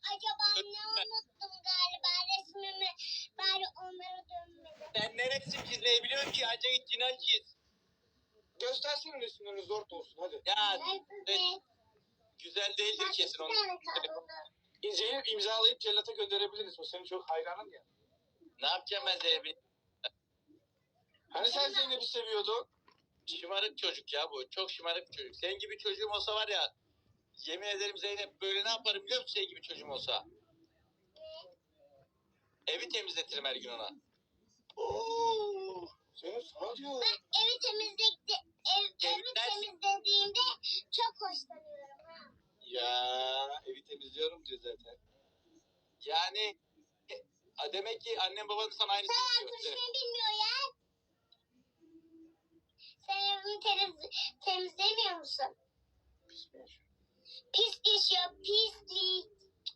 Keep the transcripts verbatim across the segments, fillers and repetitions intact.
acaba ne unuttum galiba resmimi. Bari onlara dönmedim. Sen ne resim çizmeyi biliyorsun ki? Ancak içinden çiz. Göstersin resimlerini zor olsun hadi. Ya Nerede? güzel değildir Bak, kesin bir onu. tane kaldı. Zeynep imzalayıp cellata gönderebiliriz. O senin çok hayranın ya. Ne yapacağım ben Zeynep'i? Hani sen Zeynep'i seviyordun? Şımarık çocuk ya bu. Çok şımarık çocuk. Senin gibi çocuğum olsa var ya, yemin ederim Zeynep, böyle ne yaparım biliyor musun senin gibi çocuğum olsa? Evi temizletirim her gün ona. Oo, Zeynep sana diyor. Ben evi temizledi, ev, evi Temizlersin. temizlediğimde çok hoşlanıyorum ha. Ya evi temizliyorum diyor zaten. Yani e, demek ki annem baban sana aynısını Sen yapıyor. konuşmayı bilmiyor ya. Sen evini temiz, temizlemiyor musun? Pis geçiyor, pislik.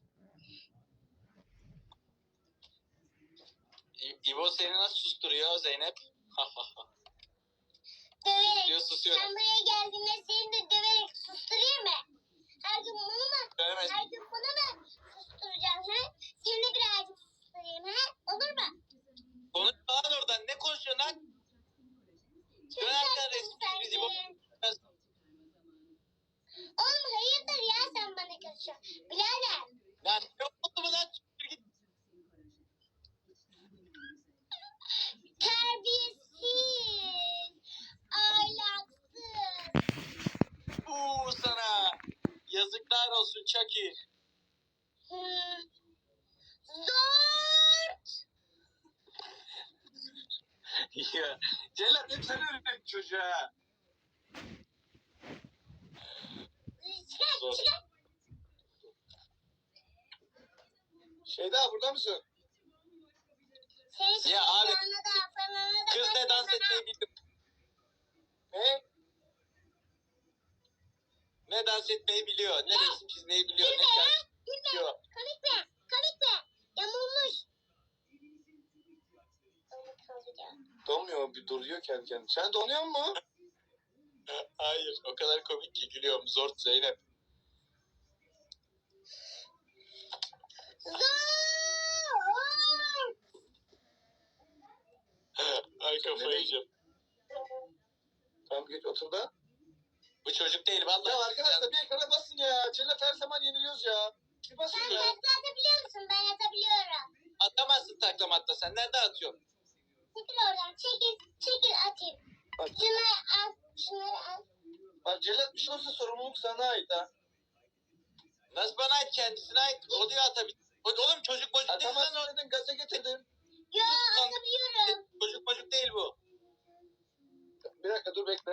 İ- İbo seni nasıl susturuyor Zeynep? Döverek. Susuyor susuyor. Sen buraya geldiğinde seni de döverek susturayım mı? Her gün bunu mu? Dövemez. Her gün bunu mu susturacağım ha? Seni birazcık susturayım ha? Olur mu? Konuş lan oradan. Ne konuşuyorsun lan? Çok Dön arkadan tatlısın resim sen çiz İbo. de. Oğlum hayırdır ya sen bana karışıyorsun. Birader. Lan yok oldu mu lan? Siktir git. Terbiyesiz. Ahlaksız. Uuu sana. Yazıklar olsun Chucky. Hmm. Zor. Ya cellat hep sen öğrettin çocuğa. Çıkar Zor. çıkar. Şeyda burada mısın? Senin Ya abi, şişmanına da falan da Kız ne dans etmeyi biliyor. Ne? Ne dans etmeyi biliyor. Ne resim çizmeyi biliyor. Ne Gülme ya. şarkı Gülme. biliyor. Komik mi? Komik mi? Yamulmuş. Onu kalacağım. Donmuyor, bir duruyor kendi kendine. Sen donuyor mu? Hayır, o kadar komik ki gülüyorum. Zor Zeynep. Zor. Ay kafayı yiyeceğim. Tamam geç otur da. Bu çocuk değil vallahi. Ya arkadaşlar bir ekrana basın ya. Cellat her zaman yeniliyoruz ya. Bir basın Sen ya. takla atabiliyor musun? Ben atabiliyorum. Atamazsın taklamatta. Sen nerede atıyorsun? Çekil oradan. Çekil. Çekil atayım. Bak, Şunları al. Şunları al. bak Cellat bir şey olsa sorumluluk sana ait ha. Nasıl bana ait, kendisine ait. O diyor atabilir. Oğlum çocuk bocuk değil lan o. Atamazsın dedin gaza getirdin. Yo Sus lan. atabiliyorum. Çocuk bocuk değil bu. Bir dakika dur bekle.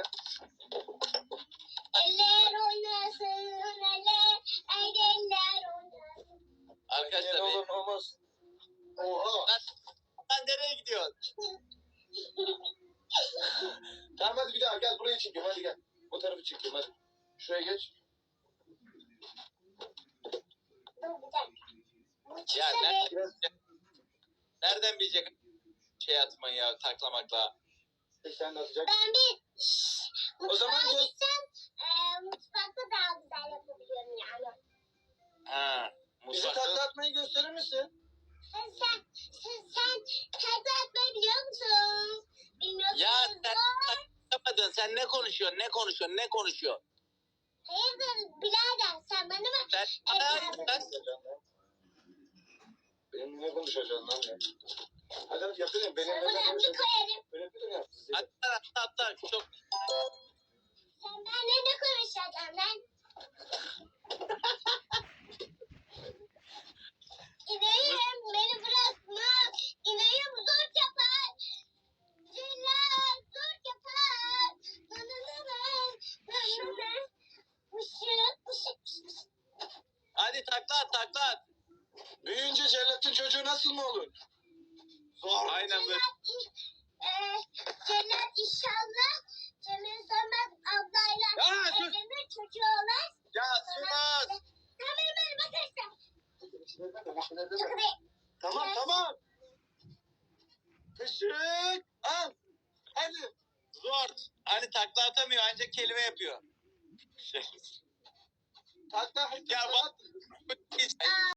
Eller oynasın eller. Haydi eller oynasın. Arkadaşlar Ne be. olur olmaz. Oha. Lan, lan nereye gidiyorsun? Tamam hadi bir daha gel buraya çekeyim hadi gel. Bu tarafı çekeyim hadi. Şuraya geç. Dur bir dakika. Bu Ya çıksa nereden, be. Biraz nereden bilecek şey atmayı ya, taklamakla? sen de atacak. Ben bir şşş, O zaman mutfağa göz- gitsem e, mutfakta daha güzel yapabiliyorum yani. Ha. Bize Mutfakta. takla atmayı gösterir misin? Sen sen sen, sen takla atmayı biliyor musun? Bilmiyorsun. Ya sen Zor. taklamadın. Sen ne konuşuyorsun? Ne konuşuyorsun? Ne konuşuyorsun? Hayırdır birader sen bana mı? Sen Evet. sen Benim ne konuşacaksın lan ya? Hadi hadi yapıyorum. Benim Sana ne ben bir konuşacaksın? koyarım. Benim bir yap. atla atla atla. Çok Sen benimle ne konuşacaksın lan? İneyim beni bırakma. İneyim zor yapar. Celal zor yapar. Nananana, nanana. Işık ışık ışık. hadi takla at takla at. Büyüyünce cellatın çocuğu nasıl mı olur? Zor. Aynen böyle. Celal, e, Celal inşallah Cemil Samet ablayla Ya sus. evlenir çocuğu olur. Ya sus. Sen benim önüme kaçtın. Tamam Çok iyi. tamam. Işık. Al. Hadi. Zor. Hani takla atamıyor, ancak kelime yapıyor. Şey. Takla. Ya bak.